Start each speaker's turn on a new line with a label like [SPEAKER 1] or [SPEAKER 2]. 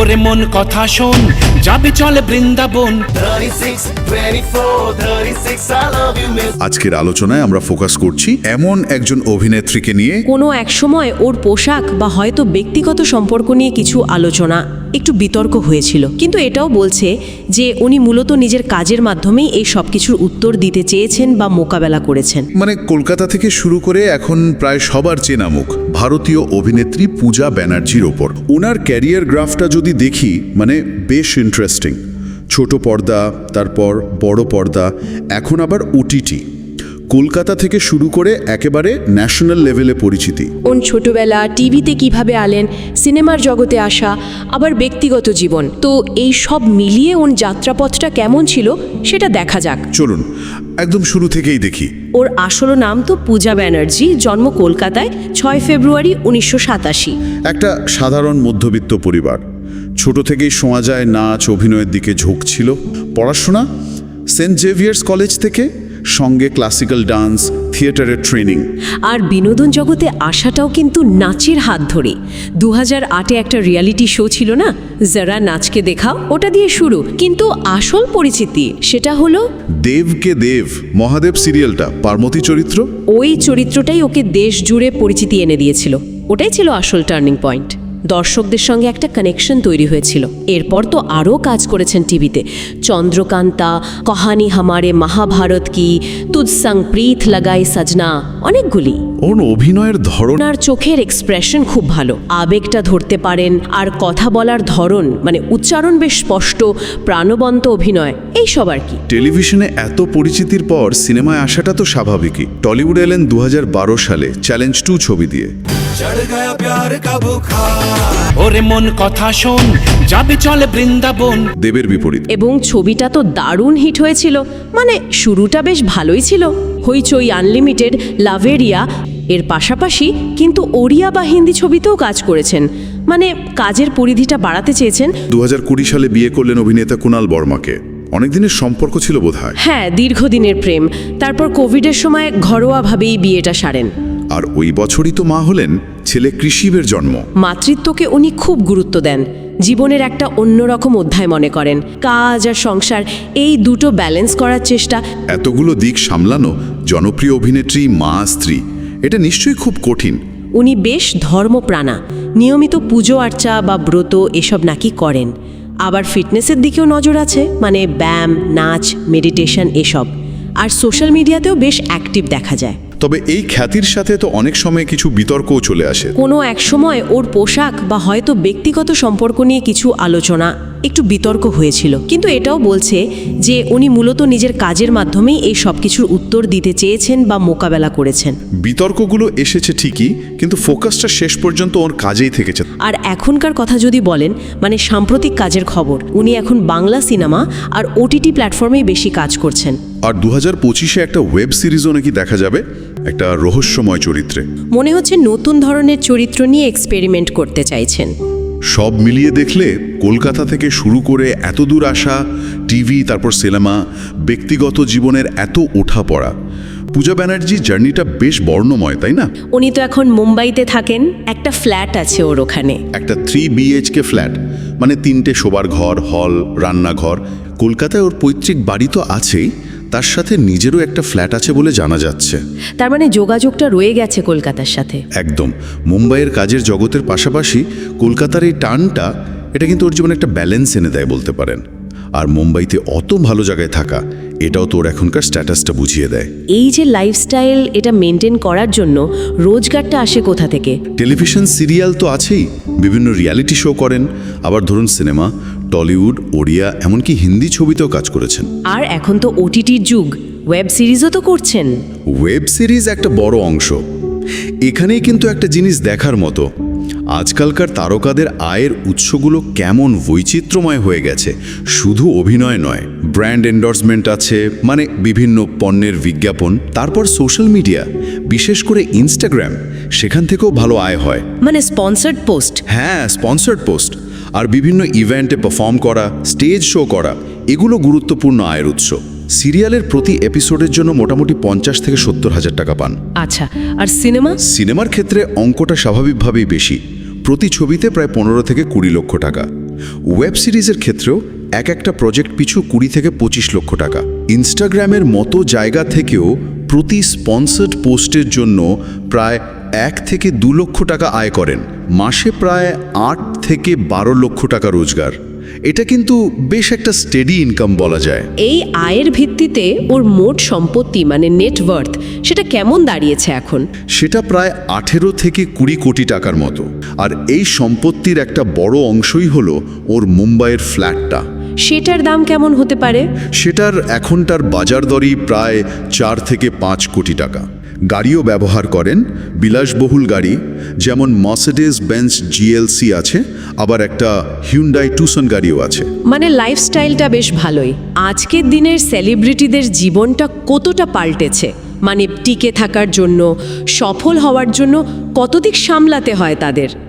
[SPEAKER 1] ওরে মন কথা শোন, যাবে চলে Vrindavan.
[SPEAKER 2] 36, 24, 36, I love you, miss.
[SPEAKER 3] আজকের আলোচনায় আমরা ফোকাস করছি এমন একজন অভিনেত্রীকে নিয়ে
[SPEAKER 4] কোনো এক সময় ওর পোশাক বা হয়তো ব্যক্তিগত সম্পর্ক নিয়ে কিছু আলোচনা একটু বিতর্ক হয়েছিল, কিন্তু এটাও বলছে যে উনি মূলত নিজের কাজের মাধ্যমেই এই সব কিছুর উত্তর দিতে চেয়েছেন বা মোকাবেলা করেছেন।
[SPEAKER 3] মানে কলকাতা থেকে শুরু করে এখন প্রায় সবার চেনা মুখ ভারতীয় অভিনেত্রী পূজা ব্যানার্জির ওপর। ওনার ক্যারিয়ার গ্রাফটা যদি দেখি মানে বেশ ইন্টারেস্টিং। ছোট পর্দা, তারপর বড় পর্দা, এখন আবার ওটিটি। কলকাতা থেকে শুরু করে একেবারে ন্যাশনাল লেভেলে পরিচিতি।
[SPEAKER 4] ওন ছোটবেলা টিভিতে কিভাবে আলেন, সিনেমার জগতে আসা, আবার ব্যক্তিগত জীবন, তো এই সব মিলিয়ে ওন যাত্রাপথটা কেমন ছিল সেটা দেখা যাক।
[SPEAKER 3] চলুন একদম শুরু থেকেই দেখি।
[SPEAKER 4] ওর আসল নাম তো পূজা ব্যানার্জি, জন্ম কলকাতায় 6 ফেব্রুয়ারি 1987।
[SPEAKER 3] একটা সাধারণ মধ্যবিত্ত পরিবার। ছোট থেকেই শোনা যায় নাচ অভিনয়ের দিকে ঝোঁক ছিল। পড়াশোনা সেন্ট জেভিয়ার্স কলেজ থেকে, সঙ্গে ক্লাসিক্যাল ডান্স, থিয়েটারের ট্রেনিং।
[SPEAKER 4] আর বিনোদন জগতে আসাটাও কিন্তু নাচের হাত ধরে। 2008-এ একটা রিয়ালিটি শো ছিল না, যারা নাচকে দেখাও, ওটা দিয়ে শুরু। কিন্তু আসল পরিচিতি সেটা হলো
[SPEAKER 3] দেবকে দেব, মহাদেব সিরিয়ালটা, পার্বতী চরিত্র।
[SPEAKER 4] ওই চরিত্রটাই ওকে দেশ জুড়ে পরিচিতি এনে দিয়েছিল। ওটাই ছিল আসল টার্নিং পয়েন্ট। দর্শকদের সঙ্গে একটা কানেকশন তৈরি হয়েছিল। এরপর তো আরও কাজ করেছেন টিভিতে, চন্দ্রকান্তা, কহানি হামারে মহাভারত কি, তুজ সঙ্গ প্রীত লাগাই সজনা, অনেকগুলি।
[SPEAKER 3] ওর অভিনয়ের ধরন
[SPEAKER 4] ওনার চোখের এক্সপ্রেশন খুব ভালো, আবেগটা ধরতে পারেন, আর কথা বলার ধরন মানে উচ্চারণ বেশ স্পষ্ট, প্রাণবন্ত অভিনয়, এই সব আর কি।
[SPEAKER 3] টেলিভিশনে এত পরিচিতির পর সিনেমায় আসাটা তো স্বাভাবিকই। টলিউড এলেন 2012 সালে চ্যালেঞ্জ 2 ছবি দিয়ে।
[SPEAKER 2] चढ़ गया प्यार का बुखार।
[SPEAKER 1] ওরে মন কথা শোন, যাবে চলে বৃন্দাবন।
[SPEAKER 3] দেবের বিপরীত।
[SPEAKER 4] এবং ছবিটা তো দারুণ হিট হয়েছিল, মানে শুরুটা বেশ ভালোই ছিল। হইচই, আনলিমিটেড, লাভেরিয়া, এর পাশাপাশি কিন্তু ওড়িয়া বা হিন্দি ছবিতেও কাজ করেছেন, মানে কাজের পরিধিটা বাড়াতে চেয়েছেন।
[SPEAKER 3] 2020 সালে বিয়ে করলেন অভিনেতা কুণাল বর্মাকে। অনেকদিনের সম্পর্ক ছিল বোধহয়।
[SPEAKER 4] হ্যাঁ, দীর্ঘদিনের প্রেম। তারপর কোভিডের সময় ঘরোয়াভাবেই বিয়েটা সারেন।
[SPEAKER 3] আর ওই বছরই তো মা হলেন, ছেলে কৃষিবের জন্ম।
[SPEAKER 4] মাতৃত্বকে উনি খুব গুরুত্ব দেন, জীবনের একটা অন্যরকম অধ্যায় মনে করেন। কাজ আর সংসার এই দুটো ব্যালেন্স করার চেষ্টা।
[SPEAKER 3] এতগুলো দিক সামলানো, জনপ্রিয় অভিনেত্রী, মা, স্ত্রী, এটা নিশ্চয়ই খুব কঠিন।
[SPEAKER 4] উনি বেশ ধর্মপ্রাণা, নিয়মিত পুজো আর্চা বা ব্রত এসব নাকি করেন। আবার ফিটনেসের দিকেও নজর আছে, মানে ব্যায়াম, নাচ, মেডিটেশন এসব। আর সোশ্যাল মিডিয়াতেও বেশ অ্যাক্টিভ দেখা যায়।
[SPEAKER 3] তবে এই খ্যাতির সাথে তো অনেক সময় কিছু বিতর্কও চলে আসে।
[SPEAKER 4] কোনো এক সময় ওর পোশাক বা হয়তো ব্যক্তিগত সম্পর্ক নিয়ে কিছু আলোচনা একটু বিতর্ক হয়েছিল, কিন্তু এটাও বলছে যে উনি মূলত নিজের কাজের মাধ্যমেই এই সব কিছুর উত্তর দিতে চেয়েছেন বা মোকাবেলা করেছেন।
[SPEAKER 3] বিতর্কগুলো এসেছে ঠিকই, কিন্তু ফোকাসটা শেষ পর্যন্ত ওর কাজেই থেকেছে।
[SPEAKER 4] আর এখনকার কথা যদি বলেন, মানে সাম্প্রতিক কাজের খবর, উনি এখন বাংলা সিনেমা আর ওটিটি প্ল্যাটফর্মেই বেশি কাজ করছেন।
[SPEAKER 3] আর 2025-এ একটা ওয়েব সিরিজও নাকি দেখা যাবে, একটা রহস্যময় চরিত্রে।
[SPEAKER 4] মনে হচ্ছে নতুন ধরনের চরিত্র নিয়ে এক্সপেরিমেন্ট করতে চাইছেন।
[SPEAKER 3] সব মিলিয়ে দেখলে কলকাতা থেকে শুরু করে এত দূর আসা, টিভি, তারপর সিনেমা, ব্যক্তিগত জীবনের এত ওঠাপড়া, পূজা ব্যানার্জি জার্নিটা বেশ বর্ণময়, তাই না?
[SPEAKER 4] উনি তো এখন মুম্বাইতে থাকেন, একটা ফ্ল্যাট আছে ওর ওখানে।
[SPEAKER 3] একটা 3 BHK ফ্ল্যাট, মানে 3টে শোবার ঘর, হল, রান্নাঘর। কলকাতায় ওর পৈতৃক বাড়ি তো আছেই, তার সাথে নিজেরও একটা ফ্ল্যাট আছে বলে জানা যাচ্ছে।
[SPEAKER 4] তার মানে যোগাযোগটা রয়ে গেছে কলকাতার সাথে।
[SPEAKER 3] একদম। মুম্বাইয়ের কাজের জগতের পাশাপাশি কলকাতার এই টানটা, এটা কিন্তু ওর জীবনে একটা ব্যালেন্স এনে দেয় বলতে পারেন। আর মুম্বাইতে অত ভালো জায়গায় থাকা, এটাও তোর এখনকার স্ট্যাটাসটা বুঝিয়ে দেয়।
[SPEAKER 4] এই যে লাইফস্টাইল, এটা মেনটেন করার জন্য রোজগারটা আসে কোথা থেকে?
[SPEAKER 3] টেলিভিশন সিরিয়াল তো আছেই, বিভিন্ন রিয়ালিটি শো করেন, আবার ধরুন সিনেমা, টলিউড, ওড়িয়া, এমনকি হিন্দি ছবিতেও কাজ করেছেন।
[SPEAKER 4] আর এখন তো ওটিটির যুগ, ওয়েব সিরিজও তো করছেন।
[SPEAKER 3] ওয়েব সিরিজ একটা বড় অংশ। এখানেই কিন্তু একটা জিনিস দেখার মতো, আজকালকার তারকাদের আয়ের উৎসগুলো কেমন বৈচিত্র্যময় হয়ে গেছে। শুধু অভিনয় নয়, ব্র্যান্ড এন্ডোর্সমেন্ট আছে, মানে বিভিন্ন পণ্যের বিজ্ঞাপন, তারপর সোশ্যাল মিডিয়া, বিশেষ করে ইনস্টাগ্রাম, সেখান থেকেও ভালো আয় হয়।
[SPEAKER 4] মানে স্পন্সার্ড পোস্ট।
[SPEAKER 3] হ্যাঁ, স্পন্সার্ড পোস্ট, আর বিভিন্ন ইভেন্টে পারফর্ম করা, স্টেজ শো করা, এগুলো গুরুত্বপূর্ণ আয়ের উৎস। সিরিয়ালের প্রতি এপিসোডের জন্য মোটামুটি 50 থেকে 70 হাজার টাকা পান।
[SPEAKER 4] আচ্ছা, আর সিনেমা?
[SPEAKER 3] সিনেমার ক্ষেত্রে অঙ্কটা স্বাভাবিকভাবেই বেশি, প্রতি ছবিতে প্রায় 15 থেকে 20 লক্ষ টাকা। ওয়েব সিরিজের ক্ষেত্রেও একটা প্রজেক্ট পিছু 20 থেকে 25 লক্ষ টাকা। ইনস্টাগ্রামের মতো জায়গা থেকেও প্রতি স্পন্সর্ড পোস্টের জন্য প্রায় 1 থেকে 2 লক্ষ টাকা আয় করেন। মাসে প্রায় 8 থেকে 12 লক্ষ টাকা রোজগার। এটা কিন্তু বেশ একটা স্টেডি ইনকাম বলা যায়।
[SPEAKER 4] এই আয়ের ভিত্তিতে ওর মোট সম্পত্তি মানে নেটওয়ার্থ সেটা কেমন দাঁড়িয়েছে এখন?
[SPEAKER 3] সেটা প্রায় 18 থেকে 20 কোটি টাকার মতো। আর এই সম্পত্তির একটা বড় অংশই হলো ওর মুম্বাইয়ের ফ্ল্যাটটা।
[SPEAKER 4] সেটার দাম কেমন হতে পারে?
[SPEAKER 3] সেটার এখনটার বাজার দরই প্রায় 4 থেকে 5 কোটি টাকা। গাড়িও ব্যবহার করেন, বিলাসবহুল গাড়ি, যেমন মার্সিডিজ বেঞ্জ জিএলসি আছে, আবার একটা হিউন্ডাই টুসন গাড়িও আছে।
[SPEAKER 4] মানে লাইফস্টাইলটা বেশ ভালোই। আজকের দিনের সেলিব্রিটিদের জীবনটা কতটা পাল্টেছে, মানে টিকে থাকার জন্য, সফল হওয়ার জন্য কত দিক সামলাতে হয় তাদের।